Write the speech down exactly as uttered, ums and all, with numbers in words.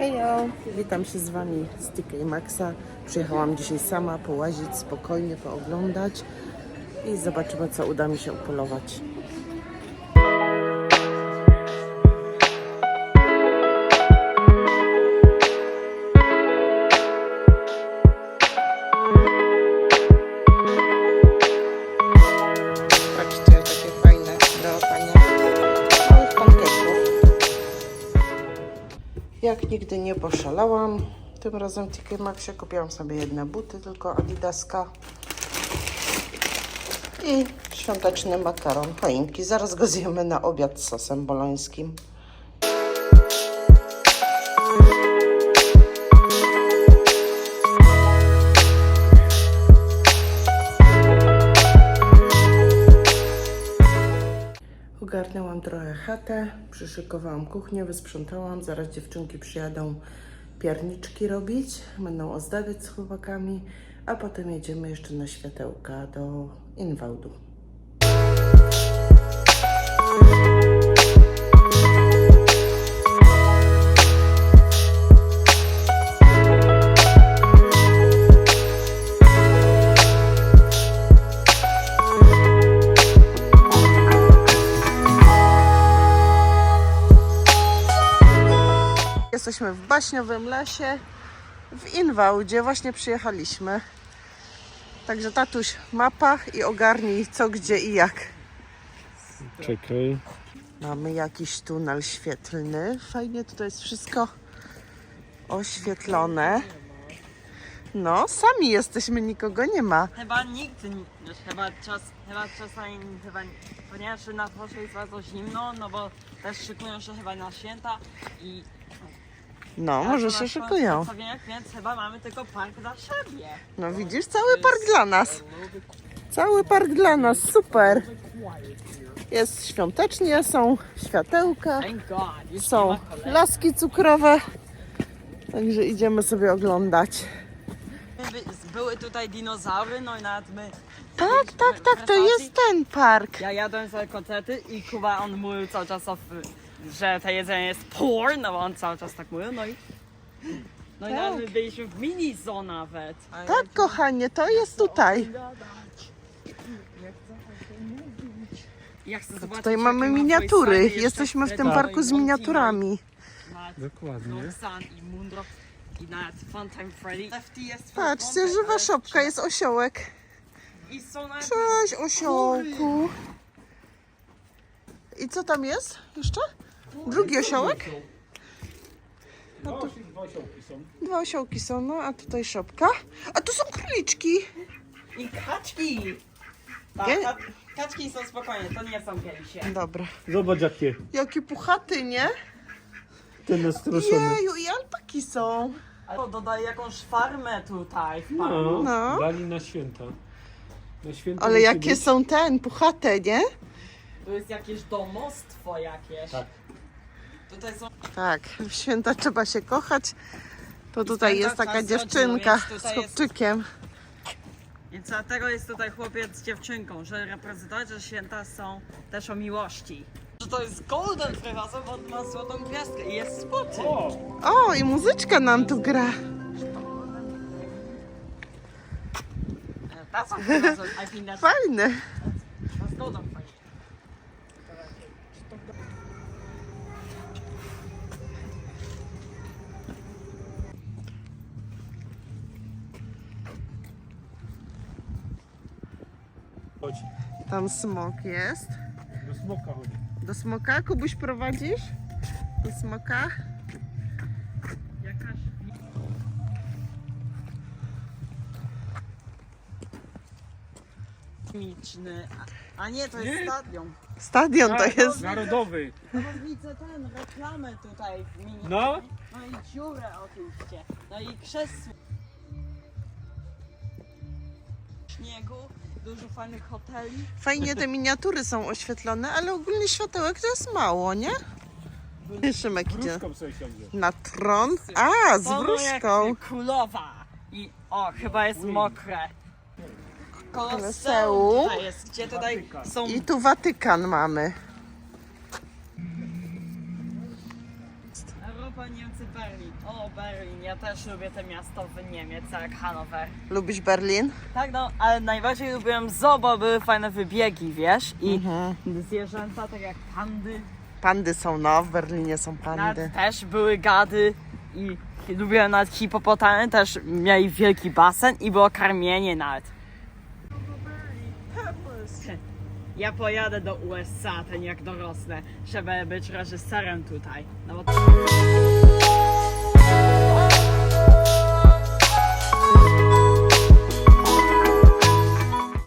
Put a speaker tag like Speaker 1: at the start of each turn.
Speaker 1: Hejo, witam się z Wami z T K Maxxa. Przyjechałam dzisiaj sama połazić, spokojnie pooglądać i zobaczymy, co uda mi się upolować. Patrzcie, takie fajne do latania małych pancake'ów. Jak nigdy nie poszalałam, tym razem w T K Maxxie kupiłam sobie jedne buty, tylko Adidaska i świąteczny makaron, choinki. Zaraz go zjemy na obiad z sosem bolońskim. Ogarnęłam trochę chatę, przyszykowałam kuchnię, wysprzątałam. Zaraz dziewczynki przyjadą pierniczki robić, będą ozdabiać z chłopakami, a potem jedziemy jeszcze na światełka do Invaudu. Jesteśmy w baśniowym lesie w Invaudzie, właśnie przyjechaliśmy. Także tatuś, mapa i ogarnij co, gdzie i jak.
Speaker 2: Czekaj.
Speaker 1: Mamy jakiś tunel świetlny. Fajnie tutaj jest wszystko oświetlone. No, sami jesteśmy, nikogo nie ma.
Speaker 3: Chyba nikt, nie- chyba, czas, chyba czasami, chyba, ponieważ na dworze jest bardzo zimno, no bo też szykują się chyba na święta i...
Speaker 1: No, może się szykują.
Speaker 3: Więc chyba mamy tylko park dla siebie.
Speaker 1: No widzisz, cały park dla nas. Cały park dla nas, super. Jest świątecznie, są światełka,
Speaker 3: Thank God. Już nie
Speaker 1: są
Speaker 3: ma kolejek.
Speaker 1: laski cukrowe. Także idziemy sobie oglądać.
Speaker 3: By- Były tutaj dinozaury, no i nawet my...
Speaker 1: Tak, tak, tak, to jest ten park.
Speaker 3: Ja jadłem sobie kotlety i Kuba, on mówił cały czas, o, że to jedzenie jest poor, no bo on cały czas tak mówił, no i... No i nawet my byliśmy w mini zoo nawet.
Speaker 1: Tak, kochanie, to jest tutaj.
Speaker 3: Ja chcę zobaczyć,
Speaker 1: Tutaj
Speaker 3: jakie
Speaker 1: mamy
Speaker 3: ma
Speaker 1: miniatury.
Speaker 3: Voice Line
Speaker 1: Jesteśmy w
Speaker 3: jeszcze
Speaker 1: tym
Speaker 3: wtedy.
Speaker 1: parku z miniaturami.
Speaker 3: Nawet
Speaker 2: Dokładnie.
Speaker 3: Roxanne i Moondrop i nawet Funtime Freddy. Lefty jest
Speaker 1: Patrzcie, żywa szopka, jest osiołek.
Speaker 3: I są nawet...
Speaker 1: Cześć, osiołku. I co tam jest jeszcze? Drugi osiołek?
Speaker 2: Dwa osiołki są.
Speaker 1: Dwa osiołki są, no a tutaj szopka. A tu są króliczki.
Speaker 3: I kaczki! Tak,
Speaker 1: Nie?
Speaker 3: ka kaczki są spokojnie, to nie są kielisie.
Speaker 1: Dobra.
Speaker 2: Zobacz jakie.
Speaker 1: Jaki puchaty, nie?
Speaker 2: Ten nastroszony.
Speaker 1: Jeju, i alpaki są.
Speaker 3: Ale dodaj jakąś farmę tutaj w parku.
Speaker 2: No,
Speaker 1: No.
Speaker 2: dali na święta. Na święta
Speaker 1: Ale
Speaker 2: musi
Speaker 1: jakie
Speaker 2: być.
Speaker 1: są ten, puchate, nie?
Speaker 3: Tu jest jakieś domostwo jakieś.
Speaker 2: Tak.
Speaker 3: Tutaj są...
Speaker 1: Tak, w święta trzeba się kochać. To tutaj
Speaker 3: święta
Speaker 1: jest taka
Speaker 3: czas rodziny,
Speaker 1: dziewczynka
Speaker 3: więc
Speaker 1: z
Speaker 3: tutaj jest-
Speaker 1: chłopczykiem.
Speaker 3: Więc dlatego jest tutaj chłopiec z dziewczynką, że reprezentować, że święta są też o miłości. Że to jest Golden Freehouse, bo on ma złotą gwiazdkę i jest spoty.
Speaker 2: O!
Speaker 1: O, i muzyczka nam tu gra.
Speaker 3: That's a freehouse. I think that's,
Speaker 1: Fajne.
Speaker 3: that's Golden Freehouse.
Speaker 2: Chodź.
Speaker 1: Tam smok jest.
Speaker 2: Do smoka chodzi.
Speaker 1: Do smoka? Kubuś, prowadzisz? Do smoka?
Speaker 3: Jakaś... Miczny. A, a nie, to jest
Speaker 2: Nie.
Speaker 3: stadion.
Speaker 1: Stadion to
Speaker 2: Tak,
Speaker 1: jest.
Speaker 2: Narodowy.
Speaker 3: No bo widzę ten, reklamę tutaj w mini.
Speaker 2: No.
Speaker 3: No i dziurę oczywiście. No i krzesło. Śniegu, dużo fajnych hoteli.
Speaker 1: Fajnie te miniatury są oświetlone, ale ogólnie światełek to jest mało, nie? Szymek idzie
Speaker 2: Wróżką sobie siądzie.
Speaker 1: na tron. A, z
Speaker 3: Są
Speaker 1: wróżką.
Speaker 3: jak królowa. I o, chyba jest mokre.
Speaker 1: Koloseum.
Speaker 3: Koloseum tutaj jest, gdzie tutaj są...
Speaker 1: I tu Watykan mamy.
Speaker 3: Europa, Niemcy, Niemcy, Berlin. O, Berlin, ja też lubię te miasto w Niemiec, jak Hanower.
Speaker 1: Lubisz Berlin?
Speaker 3: Tak, no, ale najbardziej lubiłem zoo, bo były fajne wybiegi, wiesz? I
Speaker 1: Mhm.
Speaker 3: zwierzęta, tak jak pandy,
Speaker 1: Pandy są, no, w Berlinie są pandy.
Speaker 3: nawet też były gady i lubiłem nawet hipopotamy, też mieli wielki basen i było karmienie nawet. Ja pojadę do U S A, ten jak dorosnę, żeby być reżyserem tutaj. No bo